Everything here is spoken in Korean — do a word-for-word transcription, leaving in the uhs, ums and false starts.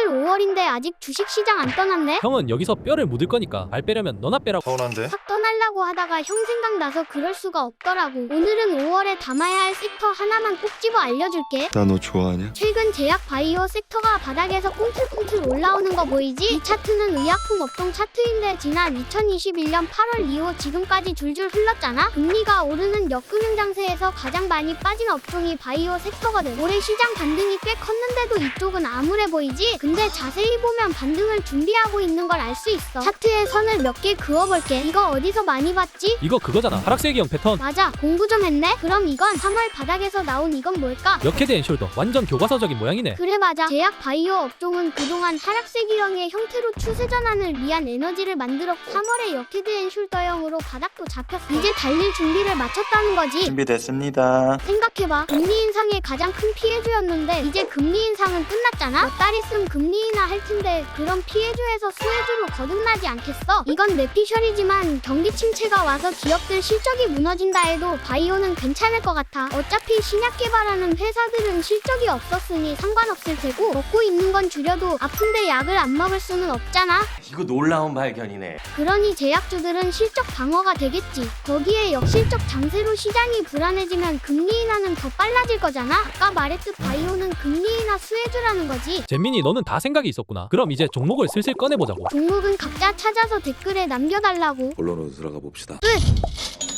오월인데 아직 주식시장 안 떠났네? 형은 여기서 뼈를 묻을 거니까 말 빼려면 너나 빼라고. 서운한데? 확 떠나려고 하다가 형 생각나서 그럴 수가 없더라고. 오늘은 오월에 담아야 할 섹터 하나만 꼭 집어 알려줄게. 나 너 좋아하냐? 최근 제약 바이오 섹터가 바닥에서 꿈틀꿈틀 올라오는 거 보이지? 이 차트는 의약품 업종 차트인데 지난 이천이십일 년 팔월 이후 지금까지 줄줄 흘렀잖아? 금리가 오르는 역금융 장세에서 가장 많이 빠진 업종이 바이오 섹터거든. 올해 시장 반등이 꽤 컸는데도 이쪽은 암울해 보이지? 근데 자세히 보면 반등을 준비하고 있는 걸 알 수 있어. 차트에 선을 몇 개 그어볼게. 이거 어디서 많이 봤지? 이거 그거잖아. 하락세기형 패턴. 맞아, 공부 좀 했네? 그럼 이건 삼월 바닥에서 나온 이건 뭘까? 역헤드 앤 숄더. 완전 교과서적인 모양이네. 그래 맞아. 제약 바이오 업종은 그동안 하락세기형의 형태로 추세 전환을 위한 에너지를 만들었고 삼월에 역헤드 앤 숄더형으로 바닥도 잡혔어. 이제 달릴 준비를 마쳤다는 거지. 준비됐습니다. 생각해봐. 금리 인상의 가장 큰 피해주였는데 이제 금리 인상은 끝났잖아? 몇 달 있으면 금리 인하 할 텐데 그럼 피해주에서 수혜주로 거듭나지 않겠어? 이건 내피셜이지만 경기 침체가 와서 기업들 실적이 무너진다 해도 바이오는 괜찮을 것 같아. 어차피 신약 개발하는 회사들은 실적이 없었으니 상관없을 테고 먹고 있는 건 줄여도 아픈데 약을 안 먹을 수는 없잖아. 이거 놀라운 발견이네. 그러니 제약주들은 실적 방어가 되겠지. 거기에 역실적 장세로 시장이 불안해지면 금리 인하는 더 빨라질 거잖아. 아까 말했듯 바이오는 금리 인하 수혜주라는 거지. 잼민이 너는 다 생각이 있었구나. 그럼 이제 종목을 슬슬 꺼내보자고. 종목은 각자 찾아서 댓글에 남겨달라고. 본론으로 들어가 봅시다. 끝!